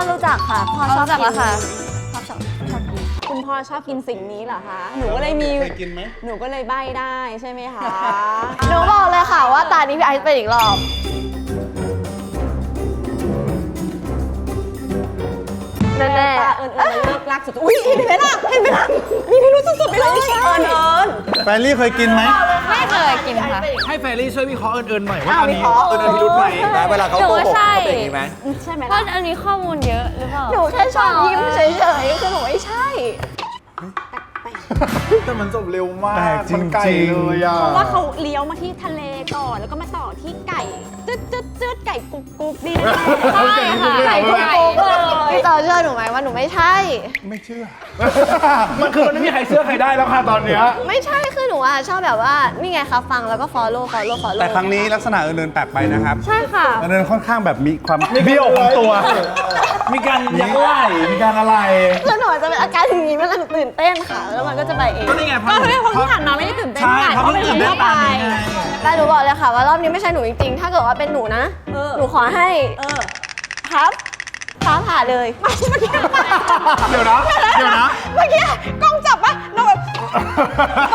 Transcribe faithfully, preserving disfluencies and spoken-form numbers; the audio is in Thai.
รู้จักค่ะพ่อชอบกินค่ะพ่อชอบชอบกินคุณพ่อชอบกินสิ่งนี้เหรอคะ หนูก็เลยมีเคยกินไหมหนูก็เลยใบ้ได้ใช่ไหมคะหนูบอกเลยค่ะว่าตานี้พี่ไอซ์เป็นอีกรอบแน่ตาเอิญเอิญเลิกรักสุดอุ้ยเห็นไหมล่ะเห็นไหมล่ะมีพิรุธสุดๆไปเลยเอิญเอิญแฟรรี่เคยกินไหมไม่เคยกินค่ะให้แฟรี่ช่วยวิเคราะห์เอิญๆหน่อยว่าอ้าวอันนี้วิเคราะห์เอิญๆพิรุธไหมนะเวลาเขาโกหกเขาเป็นอย่างนี้ไหมใช่ไหมเพราะล่ะอันนี้ข้อมูลเยอะหรือเปล่าหนูแค่ชอบยิ้มเฉยๆคือหนูไม่ใช่แต่มันจบเร็วมากแปลกจริงๆมันไกลเลยอ่ะเพราะว่าเขาเลี้ยวมาที่ทะเลก่อนแล้วก็มาต่อที่ไก่จึ๊ดจึ๊ดจึ๊ดไก่กุ๊กกุ๊กนี่นะใช่ค่ะไก่กุ๊กกุ๊กเลยพี่เต๋อเชื่อหนูไหมว่าหนูไม่ใช่ไม่เชื่อมันคือมันไม่มีใครเชื่อใครได้แล้วค่ะตอนเนี้ยไม่ใช่คือหนูอ่ะชอบแบบว่านี่ไงคะฟังแล้วก็ follow follow follow แต่ครั้งนี้ลักษณะเอิญๆแปลกไปนะครับใช่ค่ะเอิญๆค่อนข้างแบบมีความเบี้ยวของตัว มีการยักไหล่มีการอะไรคือหนูจะเป็นอาการอย่างนี้มันตื่นเต้นค่ะ แล้วมันก็จะไปเองก็นี่ไงก็เลยเพราะที่ผ่านมาไม่ได้ตื่นเต้นใช่ไงเพราะเพราะเพิ่เป็นงคตื่นนเต้นทั่วไปตามนี้ไงแต่หนูบอกเลยค่ะว่ารอบนี้ไม่ใช่หนูจริงๆ ถ้าเกิดว่าเป็นหนูนะเออหนูขอให้เออครับฟ้าผ่าเลยไม่เมื่อกี้เดี๋ยวนะ เดี๋ยวนะเมื่อกี้กล้องจับปะเราแบบ